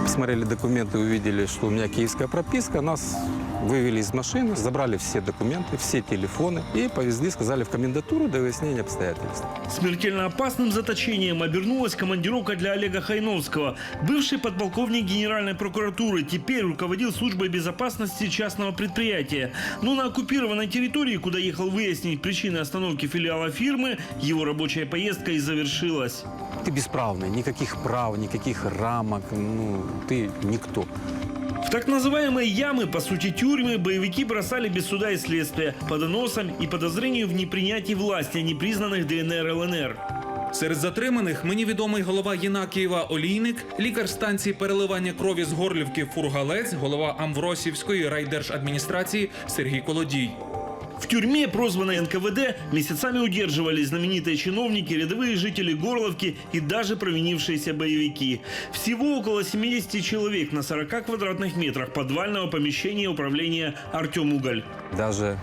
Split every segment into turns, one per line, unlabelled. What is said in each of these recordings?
Посмотрели документы, увидели, что у меня киевская прописка. Нас вывели из машины, забрали все документы, все телефоны и повезли, сказали, в комендатуру до выяснения обстоятельств.
Смертельно опасным заточением обернулась командировка для Олега Хайновского. Бывший подполковник Генеральной прокуратуры теперь руководил службой безопасности частного предприятия. Но на оккупированной территории, куда ехал выяснить причины остановки филиала фирмы, его рабочая поездка и завершилась.
Ты бесправный, никаких прав, никаких рамок, ты никто.
В так называемые ямы, по сути тюрьмы, боевики бросали без суда и следствия, по доносам и подозрению в непринятии власти непризнанных ДНР и ЛНР.
Серед затриманих мені відомий голова Єнакієва Олійник, лікар станції переливання крові з Горлівки Фургалець, голова Амвросівської райдержадміністрації Сергій Колодій.
В тюрьме, прозванной НКВД, месяцами удерживались знаменитые чиновники, рядовые жители Горловки и даже провинившиеся боевики. Всего около 70 человек на 40 квадратных метрах подвального помещения управления «Артем Уголь».
Даже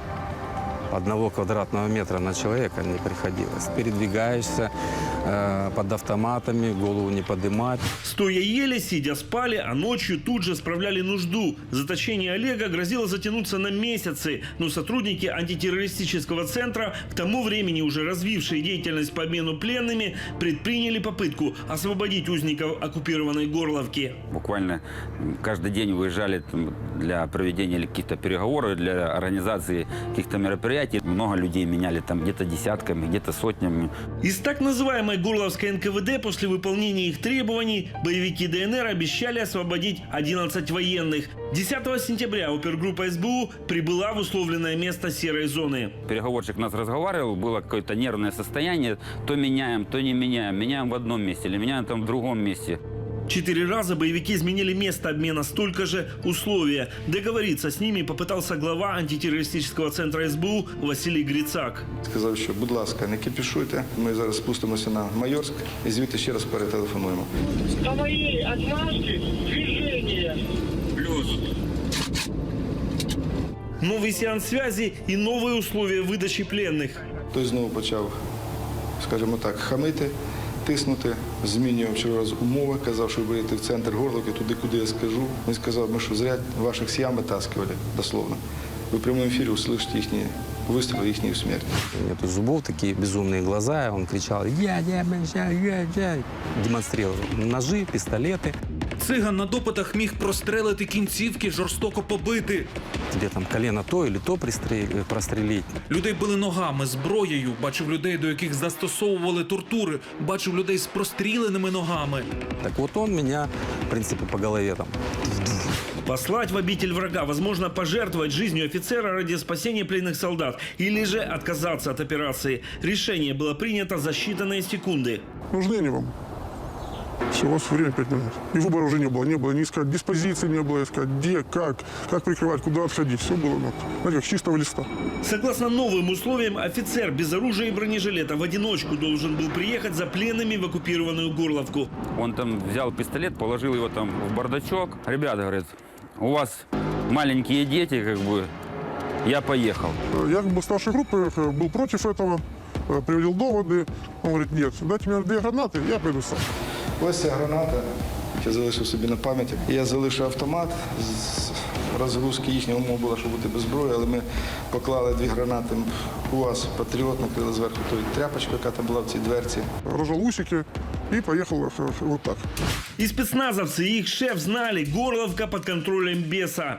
1 квадратного метра на человека не приходилось. Передвигаешься под автоматами, голову не поднимать.
Стоя ели, сидя спали, а ночью тут же справляли нужду. Заточение Олега грозило затянуться на месяцы, но сотрудники антитеррористического центра, к тому времени уже развившие деятельность по обмену пленными, предприняли попытку освободить узников оккупированной Горловки.
Буквально каждый день выезжали для проведения каких-то переговоров, для организации каких-то мероприятий. Много людей меняли там где-то десятками, где-то сотнями.
Из так называемой Горловской НКВД после выполнения их требований боевики ДНР обещали освободить 11 военных. 10 сентября опергруппа СБУ прибыла в условленное место серой зоны.
Переговорщик нас разговаривал, было какое-то нервное состояние. То меняем, то не меняем. Меняем в одном месте или меняем там в другом месте.
4 раза боевики изменили место обмена, столько же условия. Договориться с ними попытался глава антитеррористического центра СБУ Василий Грицак.
Сказав, що, будь ласка, не кипішуйте. Ми зараз спустимося на Майорськ і звідти ще раз перетелефонуємо.
По моей отмашке движение.
Плюс. Новый сеанс связи и новые условия выдачи пленных.
Той знову почав, скажімо так, хамити, тиснути, змінював вчора раз умови, казав, що ви будете в центр Горловки, туди, куди я скажу. Він сказав, ми що зря ваших с ям вытаскивали, дословно. Ви в прямому ефірі услышите їхні выстрелы, їхню смерть.
Нету зубов, такие безумные глаза, и он кричал я, демонстрировал ножи, пистолеты.
Циган на допитах міг прострелити кінцівки, жорстоко побити.
Тебе там колено то или то прострелить.
Людей били ногами, зброєю. Бачив людей, до яких застосовували тортури. Бачив людей з простріленими ногами.
Так вот он меня, в принципе, по голове там.
Послать в обитель врага, возможно, пожертвовать жизнью офицера ради спасения пленных солдат или же отказаться от операции. Решение было принято за считанные секунды.
Нужны они вам? Все, у вас время 5 минут. И выбора уже не было ни искать диспозиции, не было искать, где, как прикрывать, куда отходить. Все было, знаете, как с чистого листа.
Согласно новым условиям, офицер без оружия и бронежилета в одиночку должен был приехать за пленными в оккупированную Горловку.
Он там взял пистолет, положил его там в бардачок. Ребята, говорит, у вас маленькие дети, как бы, я поехал.
Я как бы старшей группы был против этого, приводил доводы. Он говорит, нет, дайте мне 2 гранаты, я пойду сам.
Ось ця граната, я залишив собі на пам'яті. Я залишив автомат, з розгрузки їхнього умова була, щоб бути без зброї, але ми поклали 2 гранати. У вас патріот накрили зверху тою тряпочку, яка там була в цій дверці.
Рожал усики и поехал вот так.
И спецназовцы, и их шеф знали, Горловка под контролем беса.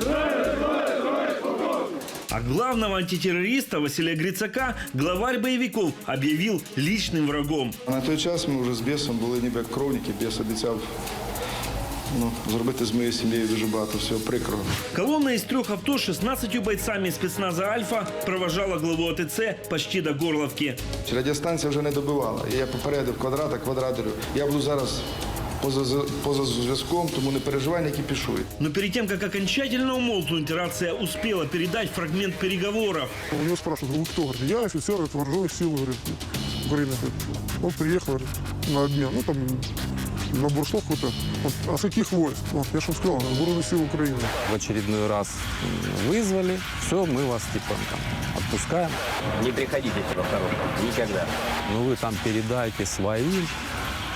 А главного антитеррориста Василия Грицака главарь боевиков объявил личным врагом.
На той час ми вже з бісом були ніби як кровники. Біс обіцяв зробити з моєю сім'єю дуже багато всього прикрого.
Колонна из 3 авто с 16 бойцами спецназа «Альфа» провожала главу АТЦ почти до Горловки.
Радіостанція вже не добивала. І я попередив квадраторю. Я буду зараз поза зв'язком, тому не переживай, не кипішуй.
Но перед тем, как окончательно умолкнуть, рация успела передать фрагмент переговоров.
У него спрашивают, вы кто? Говорит, я офицер вооруженных сил, говорит, Украины. Он приехал, говорит, на обмен, ну там набор слов какой-то. А с каких войск? Я же вам сказал, вооруженных сил Украины.
В очередной раз вызвали, все, мы вас типа там отпускаем.
Не приходите во второй, никогда.
Ну вы там передайте своим,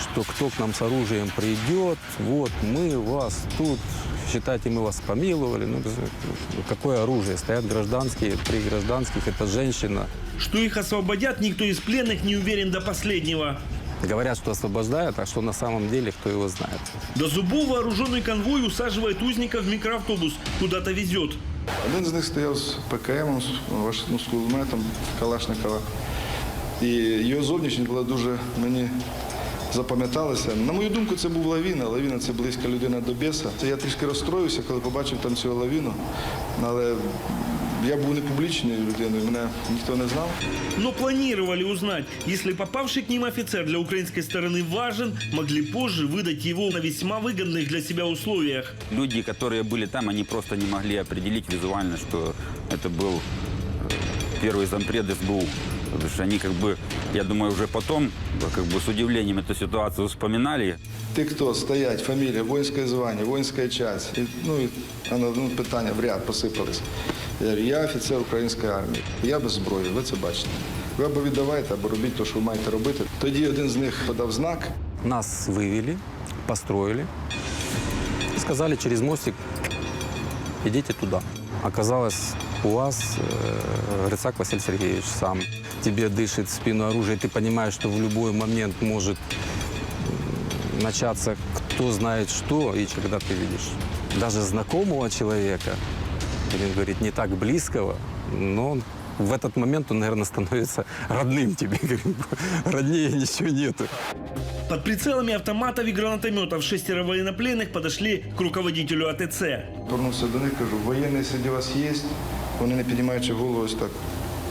что кто к нам с оружием придет, вот мы вас тут, считайте, мы вас помиловали. Ну, какое оружие? Стоят гражданские, 3 гражданских, это женщина.
Что их освободят, никто из пленных не уверен до последнего.
Говорят, что освобождают, а что на самом деле, кто его знает.
До зубов вооруженный конвой усаживает узников в микроавтобус, куда-то везет.
Один з них стояв з ПКМом, з кулеметом Калашникова. І його зовнішність була дуже мені запам'яталася. На мою думку, це був Лавіна. Лавіна – це близька людина до біса. Я трішки розстроївся, коли побачив там цього Лавіну. Але я був не публічною людиною, мене ніхто не знав.
Но планировали узнать, если попавший к ним офицер для украинской стороны важен, могли позже выдать его на весьма выгодных для себя условиях.
Люди, которые были там, они просто не могли определить визуально, что это был первый зампред СБУ. Потому что они я думаю, уже потом с удивлением эту ситуацию вспоминали.
Ті, хто стоять, фамілія, воїнське звання, воїнська часть, питання в ряд посипались. Я говорю, я офіцер української армії, я без зброї, ви це бачите. Ви або віддавайте, або робіть те, що ви маєте робити. Тоді один з них подав знак.
Нас вывели, построили, сказали через мостик, идите туда. Оказалось, у вас Грицак Василий Сергеевич сам. Тебе дышит в спину оружие, ты понимаешь, что в любой момент может начаться кто знает что, и когда ты видишь даже знакомого человека, будем говорить, не так близкого, но в этот момент он, наверное, становится родным тебе. Роднее ничего нету.
Под прицелами автоматов и гранатометов 6 военнопленных подошли к руководителю АТЦ.
Повернувся до них, кажу, воєнний серед вас є? Вони, не піднімаючи голову, ось так.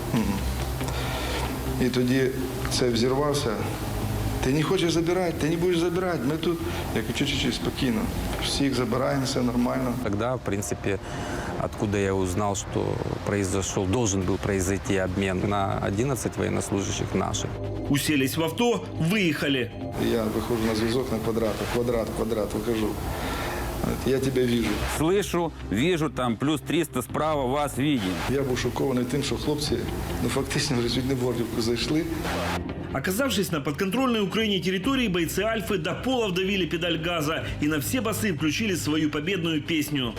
І тоді це взірвався. Ти не хочеш забирати, ти не будеш забирати, ми тут. Я кажу, чуть-чуть, спокійно. Всіх забираємо, все нормально.
Тогда, в принципе, откуда я узнал, что должен был произойти обмен на 11 военнослужащих наших.
Уселись в авто, выехали.
Я виходжу на зв'язок на квадрат, вихожу. Я тебе вижу.
Слышу, вижу, там плюс 300 справа, вас видим.
Я був шокований тим, що хлопці, фактично, вже чуть не в Горлівку зайшли.
Оказавшись на подконтрольной Украине территории, бойцы Альфы до пола вдавили педаль газа и на все басы включили свою победную песню.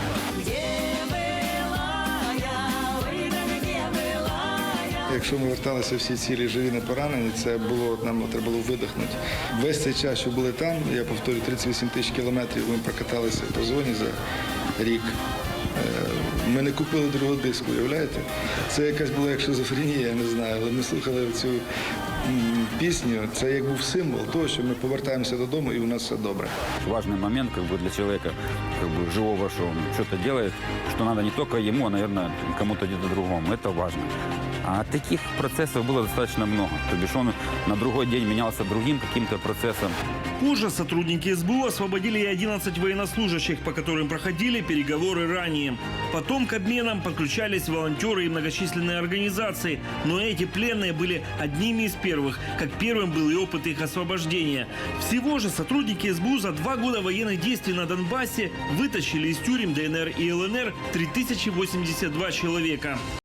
Якщо ми верталися всі цілі живі, не поранені, нам треба було видихнути. Весь цей час, що були там, я повторюю, 38 тисяч кілометрів ми прокаталися по зоні за рік. Ми не купили другого диску, уявляєте? Це якась була як шизофренія, я не знаю, але ми слухали цю пісню, це як був символ того, що ми повертаємося додому і у нас все добре.
Важный момент для человека живого, что он что-то делает, что надо не только ему, а, наверное, кому-то где-то другому. Это важно. А таких процессов было достаточно много. То бишь он на другой день менялся другим каким-то процессом.
Позже сотрудники СБУ освободили и 11 военнослужащих, по которым проходили переговоры ранее. Потом к обменам подключались волонтеры и многочисленные организации. Но эти пленные были одними из первых, как первым был и опыт их освобождения. Всего же сотрудники СБУ за 2 года военных действий на Донбассе вытащили из тюрем ДНР и ЛНР 3082 человека.